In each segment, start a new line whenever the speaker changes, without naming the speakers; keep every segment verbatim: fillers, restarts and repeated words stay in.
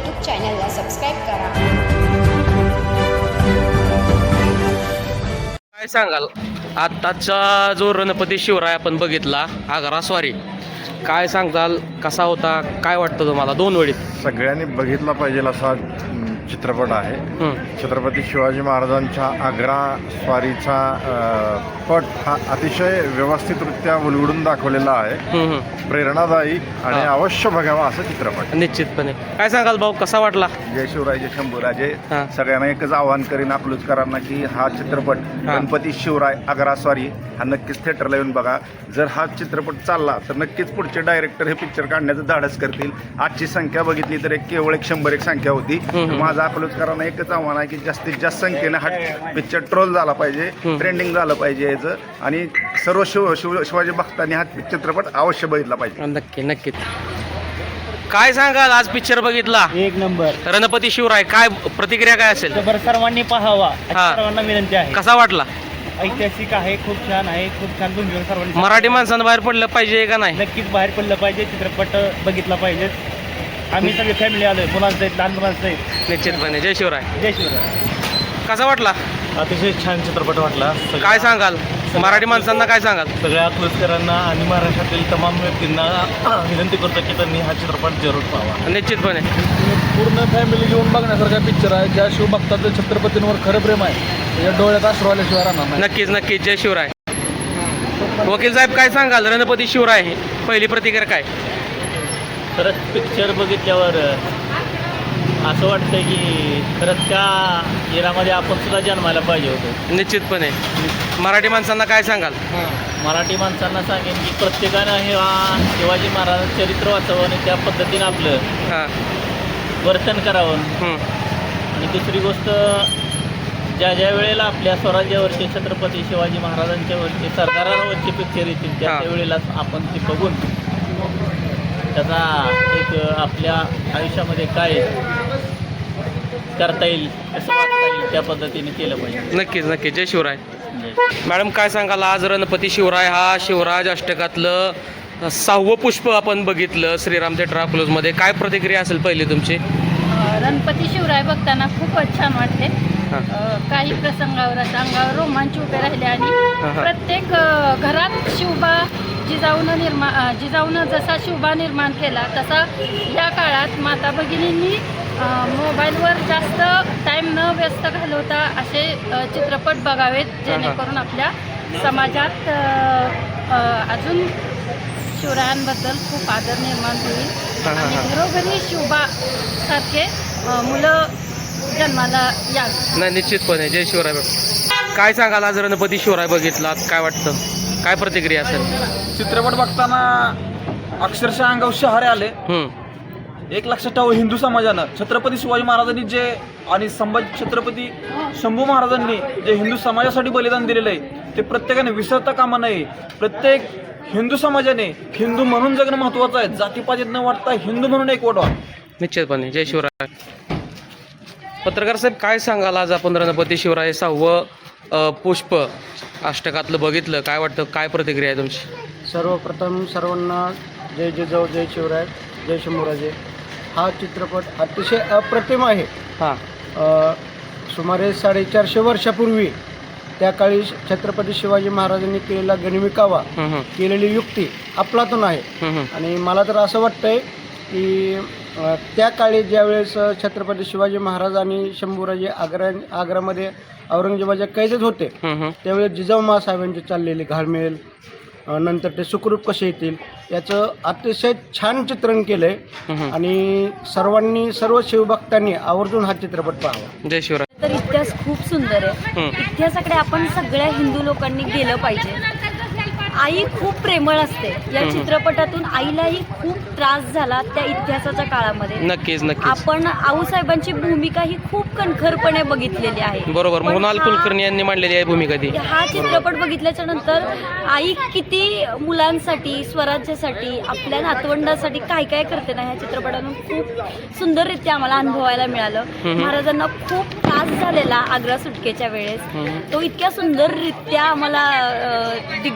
YouTube चॅनलला subscribe करा.
काय सांगाल आत्ताचा जो रणपती शिवराय आपण बघितला आग्रा स्वारी, काय सांगताल, कसा होता, काय वाटतं तुम्हाला दोन वेळीत?
सगळ्यांनी बघितला पाहिजे असा चित्रपट आहे.
हं.
छत्रपती शिवाजी महाराजांच्या आग्रा स्वारीचा अ, पट हा अतिशय व्यवस्थितरित्या उलगडून दाखवलेला आहे.
हं, हं.
प्रेरणादायी आणि
हा.
अवश्य बघावा असा चित्रपट.
निश्चितपणे. काय सांगाल भाऊ, कसा वाटला?
जय शिवराय जय शंभूराजे.
हा.
सगळ्यांना एकच आवाहन करीन अकलूजकरांना की हा चित्रपट
हा.
गणपती शिवराय आग्रा स्वारी हा नक्कीच थिएटरला येऊन बघा. जर हा चित्रपट चालला तर नक्कीच पुढचे डायरेक्टर हे पिक्चर काढण्याचं धाडस करतील. आजची संख्या बघितली तर एक केवळ एक शंभर एक संख्या होती.
हम्म.
माझं अकलूजकरांना एकच आव्हान आहे की जास्तीत जास्त संख्येने हा पिक्चर ट्रोल झाला पाहिजे,
हम्म.
ट्रेंडिंग झालं पाहिजे याचं, आणि सर्व शिव शिव शिवाजी भक्तांनी हा चित्रपट अवश्य बघितला पाहिजे.
नक्की नक्कीच. काय सांगाल, आज पिक्चर बघितला
एक नंबर.
रणपती शिवराय, काय प्रतिक्रिया काय असेल?
जबर सर्वांनी पाहावा अशी
हा.
सर्वांना विनंती आहे.
कसा वाटला?
ऐतिहासिक आहे, खूप छान आहे, खूप छान भूमिका सर्वांनी.
मराठी माणसांना बाहेर पडलं पाहिजे का नाही?
नक्कीच बाहेर पडलं पाहिजे, चित्रपट बघितला पाहिजे. आम्ही सगळे फॅमिली आलोय, मुलांचं आहेत, लहान मुलांचं आहेत.
निश्चितपणे. जय शिवराय.
जय शिवराय.
कसा वाटला?
अतिशय छान चित्रपट वाटला.
काय सांगाल, मराठी माणसांना काय सांगाल?
सगळ्या अकलूजकरांना आणि महाराष्ट्रातील तमाम व्यक्तींना विनंती करतो की त्यांनी हा चित्रपट जरूर पाहावा.
निश्चितपणे.
पूर्ण फॅमिली घेऊन बघण्यासारखा पिक्चर आहे. ज्या शिवभक्ताचं छत्रपतींवर खरं प्रेम आहे त्याच्या डोळ्यात अश्रू आल्याशिवाय राहणार नाही.
नक्कीच नक्कीच. जय शिवराय. वकील साहेब, काय सांगाल, रणपती शिवराय पहिली प्रतिक्रिया काय?
खरंच पिक्चर बघितल्यावर असं वाटतं की खरंच त्या इरामध्ये आपण सुद्धा जन्मायला पाहिजे होतो.
निश्चितपणे. मराठी माणसांना काय सांगाल?
मराठी माणसांना सांगेन की प्रत्येकानं हे हा शिवाजी महाराजांचं चरित्र वाचावं आणि त्या पद्धतीनं आपलं
हां.
वर्तन करावं.
हं.
आणि दुसरी गोष्ट, ज्या ज्या वेळेला आपल्या स्वराज्यावरचे छत्रपती शिवाजी महाराजांच्यावरचे सरदारांवरचे पिक्चर येतील त्या
हा.
त्या वेळेलाच आपण ते बघून त्याचा एक आपल्या आयुष्यामध्ये काय करता येईल, कसं वागता येईल त्या पद्धतीने केलं पाहिजे.
नक्कीच नक्कीच. जय शिवराय. मॅडम, काय सांगाल, आज रणपती शिवराय हा शिवराज अष्टकातलं सहावं पुष्प आपण बघितलं श्रीराम थिएटर अकलूजमध्ये, काय प्रतिक्रिया असेल पहिली तुमची?
रणपती शिवराय बघताना खूपच छान वाटले.
हां.
अ, काही प्रसंगावर असं अंगावर रोमांच उभे राहिले आणि
हां.
प्रत्येक अ, घरात शिवबा जिजाऊनं निर्मा अ, जिजाऊनं जसा शिवबा निर्माण केला तसा या काळात माता भगिनींनी अ, मोबाईलवर जास्त टाईम न व्यस्त घालवता असे अ, चित्रपट बघावेत जेणेकरून आपल्या समाजात अ, अ, अजून शिवरायांबद्दल खूप आदर निर्माण होईल
हां, हां,
आणि
हां.
घरोघरी शिवबा सारखे अ, मुलं जन्माला यावी.
नाही, निश्चितपणे. जय शिवराय. काय सांगाल, आज रणपती शिवराय बघितलात, काय वाटतं, काय प्रतिक्रिया असेल?
चित्रपट बघताना अक्षरशः अंगावर शहारे आले.
हं.
एक लक्षात ठेवा, हिंदू समाजानं छत्रपती शिवाजी महाराजांनी जे आणि संभाजी छत्रपती शंभू महाराजांनी जे हिंदू समाजासाठी बलिदान दिलेलं आहे ते प्रत्येकाने विसरता कामा नये. प्रत्येक हिंदू समाजाने हिंदू म्हणून जगणं महत्त्वाचं आहे. जातीपातीत न वाटता हिंदू म्हणून एक वटवा.
निश्चितपणे. जय शिवराय. पत्रकार साहेब, काय सांगाल, आज आपण रणपती शिवराय सहावं अ, पुष्प अष्टकातलं बघितलं, काय वाटतं, काय प्रतिक्रिया आहे तुमची?
सर्वप्रथम सर्वांना जय जिजाऊ, जय शिवराय, जय शंभूराजे. हा चित्रपट अतिशय अप्रतिम आहे.
हां.
अ, सुमारे साडेचारशे वर्षापूर्वी त्या काळी छत्रपती शिवाजी महाराजांनी केलेला गणिमिकावा,
हं, हं.
केलेली युक्ती अफलातून आहे.
हं, हं.
आणि मला तर असं वाटतंय की अ, त्या काळी ज्यावेळेस छत्रपती शिवाजी महाराज आणि शंभूराजे आग्रा आग्रामध्ये औरंगजेबाच्या कैदेत होते
हं, हं.
त्यावेळेस जिजाऊ मासाहेबांची चाललेली घालमेल, अ, नंतर ते सुखरूप कसे येतील याचं अतिशय छान चित्रण केलं
हं,
आहे.
हं.
आणि सर्वांनी सर्व शिवभक्तांनी आवर्जून हा चित्रपट पाहावा.
जय शिवराय.
तर इतिहास खूप सुंदर आहे.
हं.
इतिहासाकडे आपण सगळ्या हिंदू लोकांनी गेलं पाहिजे. आई खूप प्रेमळ असते. या
हं.
चित्रपटातून आईलाही खूप त्रास झाला त्या इतिहासाच्या काळामध्ये.
नक्कीच नक्कीच.
आपण आऊसाहेबांची भूमिका ही खूप कणखरपणे बघितलेली आहे.
बरोबर.
पण
मोहनलाल
हा-
कुलकर्णी यांनी मांडलेली आहे भूमिका ती.
हा चित्रपट बघितल्याच्या नंतर आई किती मुलांसाठी, स्वराज्यासाठी, आपल्या नातवंडासाठी काय काय करते ना, ह्या चित्रपटातून खूप सुंदररित्या आम्हाला अनुभवायला मिळालं.
हम्म.
महाराजांना खूप त्रास झालेला आग्रा सुटकेच्या वेळेस,
हम्म.
तो इतक्या सुंदररित्या आम्हाला अ, दिग्दर्शकांनी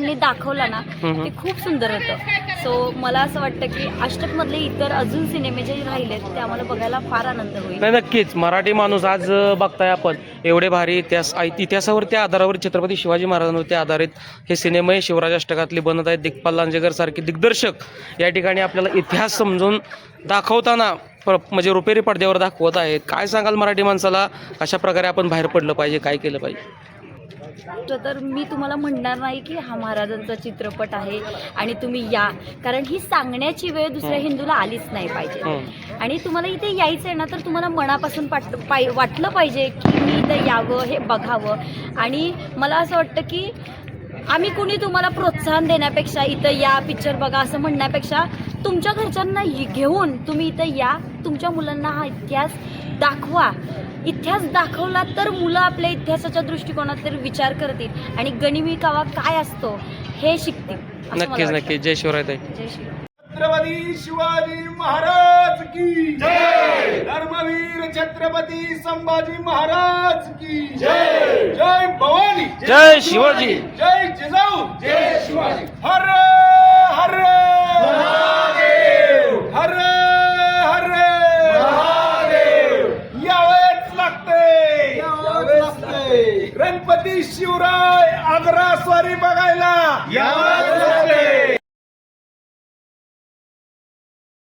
ह्यांनी दाखवला ना ते खूप सुंदर होतं. सो मला असं वाटतं की अष्टकमधले इतर अजून सिनेमे जे राहिलेत ते आम्हाला बघायला फार आनंद होईल.
नाही नक्कीच मराठी माणूस आज अ, बघताय आपण एवढे भारी इतिहास ऐ- इतिहासावरती आधारावर छत्रपती शिवाजी महाराजांवरती आधारित हे सिनेमे शिवराज अष्टकातले बनत आहेत. दिग्पाल लांजेकर सारखे दिग्दर्शक या ठिकाणी आपल्याला इतिहास समजून दाखवताना प्र म्हणजे रुपेरी पडद्यावर दाखवत आहेत. काय सांगाल मराठी माणसाला कशा प्रकारे आपण बाहेर पडलं पाहिजे, काय केलं पाहिजे?
तर मी तुम्हाला म्हणणार नाही की हा महाराजांचा चित्रपट आहे आणि तुम्ही या, कारण ही सांगण्याची वेळ दुसऱ्या हिंदूला आलीच नाही पाहिजे. आणि तुम्हाला इथे यायचं आहे ना तर तुम्हाला मनापासून पाट पाय वाटलं पाहिजे की मी इथं यावं, हे बघावं. आणि मला असं वाटतं की आम्ही कुणी तुम्हाला प्रोत्साहन देण्यापेक्षा इथं या पिक्चर बघा असं म्हणण्यापेक्षा तुमच्या घरच्यांना घेऊन तुम्ही इथं या, तुमच्या मुलांना हा इतिहास दाखवा. इतिहास दाखवला तर मुलं आपल्या इतिहासाच्या दृष्टिकोनात तर विचार करतील आणि गनिमी कावा काय असतो हे शिकतील. असं मला
नक्कीच
वाटतं.
नक्कीच. जय शिवराय ताई.
जय श्री
छत्रपती शिवाजी महाराज की जय. धर्मवीर छत्रपती संभाजी महाराज की जय. जय भवानी,
जय शिवाजी.
जय जिजाऊ, जय शिवाजी. हर हर महादेव, हर हर महादेव. यावेच लागते, यावेच लागते. गणपती शिवराय आग्रा स्वारी बघायला यावेच लागते.